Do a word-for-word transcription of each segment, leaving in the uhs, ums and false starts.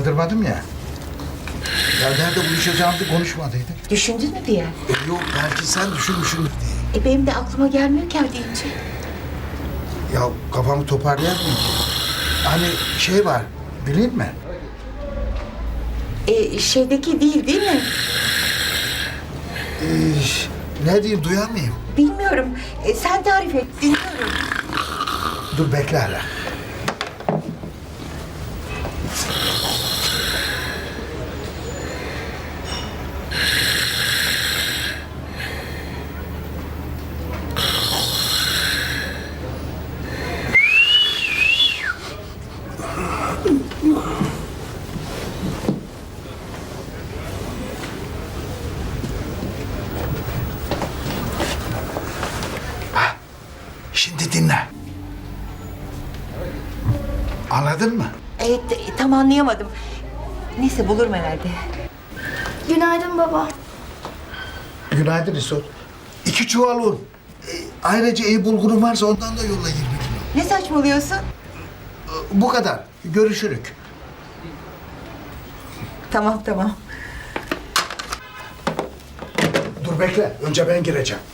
uyandırmadım ya. Ya nerede buluşacağımızı konuşmadıydık. Düşündün mü diye? E, yok belki sen düşünmüşsündür diye. E benim de aklıma gelmiyor ki her deyince. Ya kafamı toparlayamıyorum ki. Hani şey var, bilin mi? E şeydeki değil değil mi? Ee, ne diyeyim, duyar mıyım? Bilmiyorum. E, sen tarif et, dinliyorum. Dur bekle hala. Şimdi dinle. Anladın mı? E, t- tam anlayamadım. Neyse bulurum herhalde. Günaydın baba. Günaydın İsot. İki çuval un. E, ayrıca iyi bulgurum varsa ondan da yolla yirmi kilo. Ne saçmalıyorsun? E, bu kadar. Görüşürük. Tamam tamam. Dur bekle. Önce ben gireceğim.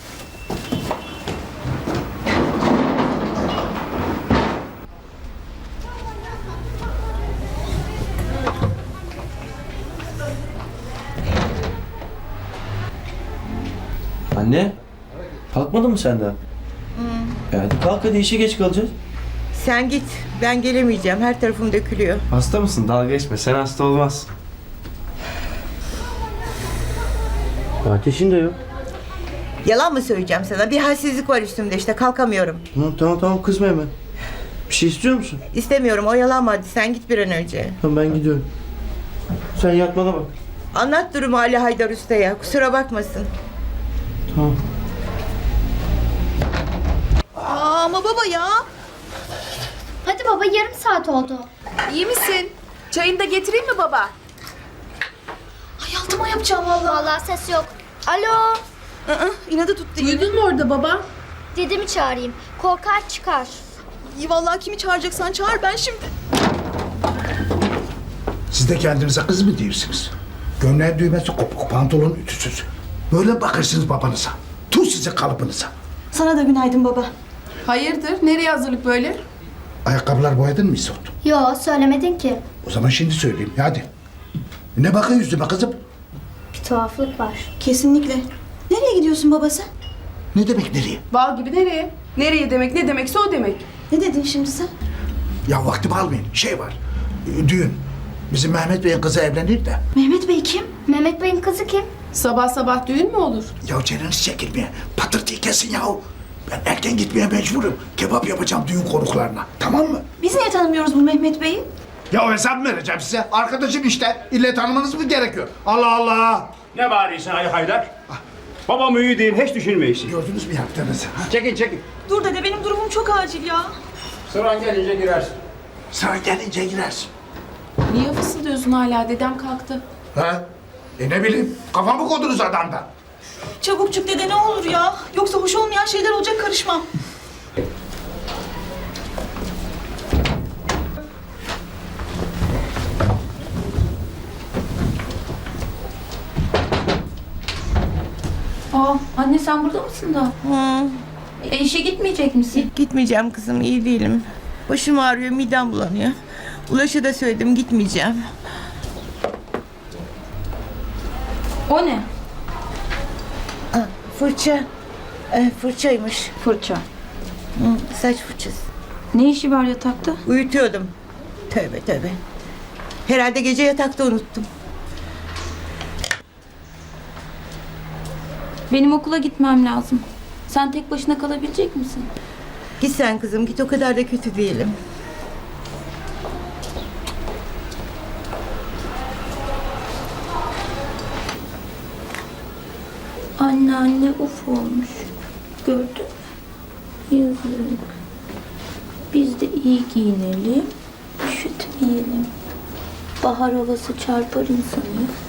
Anne, kalkmadın mı sen daha? Hmm. Hadi kalk hadi, işe geç kalacağız. Sen git. Ben gelemeyeceğim. Her tarafım dökülüyor. Hasta mısın? Dalga geçme. Sen hasta olmaz. Ateşin de yok. Yalan mı söyleyeceğim sana? Bir halsizlik var üstümde işte. Kalkamıyorum. Tamam tamam tamam, kızma hemen. Bir şey istiyor musun? İstemiyorum. Oyalanma hadi. Sen git bir an önce. Tamam, ben gidiyorum. Sen yatmana bak. Anlat durumu Ali Haydar Usta'ya. Kusura bakmasın. Tamam. Aa, ama baba ya. Hadi baba, yarım saat oldu. İyi misin? Çayını da getireyim mi baba? Ay altıma yapacağım vallahi. Vallahi ses yok. Alo. Aa, inadı tuttu. Uyudun mu orada baba? Dedemi çağırayım. Korkar çıkar. İyi vallahi, kimi çağıracaksan çağır, ben şimdi. Siz de kendinize kız mı diyorsunuz? Gömleğin düğmesi kopuk, pantolon ütüsüz. Böyle bakırsınız babanıza. Tuh size kalıbınıza. Sana da günaydın baba. Hayırdır? Nereye hazırlık böyle? Ayakkabılar boyadın mı İsot? Yo, söylemedin ki. O zaman şimdi söyleyeyim, hadi. Ne bakın yüzüme kızım? Bir tuhaflık var. Kesinlikle. Nereye gidiyorsun baba sen? Ne demek nereye? Bal gibi nereye? Nereye demek, ne demekse o demek. Ne dedin şimdi sen? Ya vaktimi almayın, şey var. e, Düğün. Bizim Mehmet Bey'in kızı evlenir de. Mehmet Bey kim? Mehmet Bey'in kızı kim? Sabah sabah düğün mü olur? Ya canınız çekilmeye, patırtıyı kesin yahu. Ben erken gitmeye mecburum. Kebap yapacağım düğün konuklarına. Tamam mı? Biz niye tanımıyoruz bu Mehmet Bey'i? Ya hesap mı vereceğim size? Arkadaşım işte. İlle tanımanız mı gerekiyor? Allah Allah! Ne bağırıyorsun Ali Haydar? Babam iyi değil, hiç düşünmeysin. Gördünüz mü yaptığınızı? Ha? Çekin çekin. Dur dede, benim durumum çok acil ya. Sıran gelince girersin. Sana gelince girersin. Niye fısıldıyorsun hala? Dedem kalktı. Ha? E ne bileyim, kafamı kodunuz adamdan. Çabuk çık dede, ne olur ya. Yoksa hoş olmayan şeyler olacak, karışmam. Aa, anne sen burada mısın da? Hı. E, işe gitmeyecek misin? Gitmeyeceğim kızım. İyi değilim. Başım ağrıyor. Midem bulanıyor. Ulaş'a da söyledim. Gitmeyeceğim. O ne? Aa, fırça. Ee, fırçaymış. Fırça. Hı, saç fırçası. Ne işi var yatakta? Uyutuyordum. Tövbe tövbe. Herhalde gece yatakta unuttum. Benim okula gitmem lazım. Sen tek başına kalabilecek misin? Git sen kızım. Git, o kadar da kötü değilim. Anne anne uf olmuş. Gördün mü? Yazık. Biz de iyi giyinelim. Üşütmeyelim. Bahar havası çarpar insanı.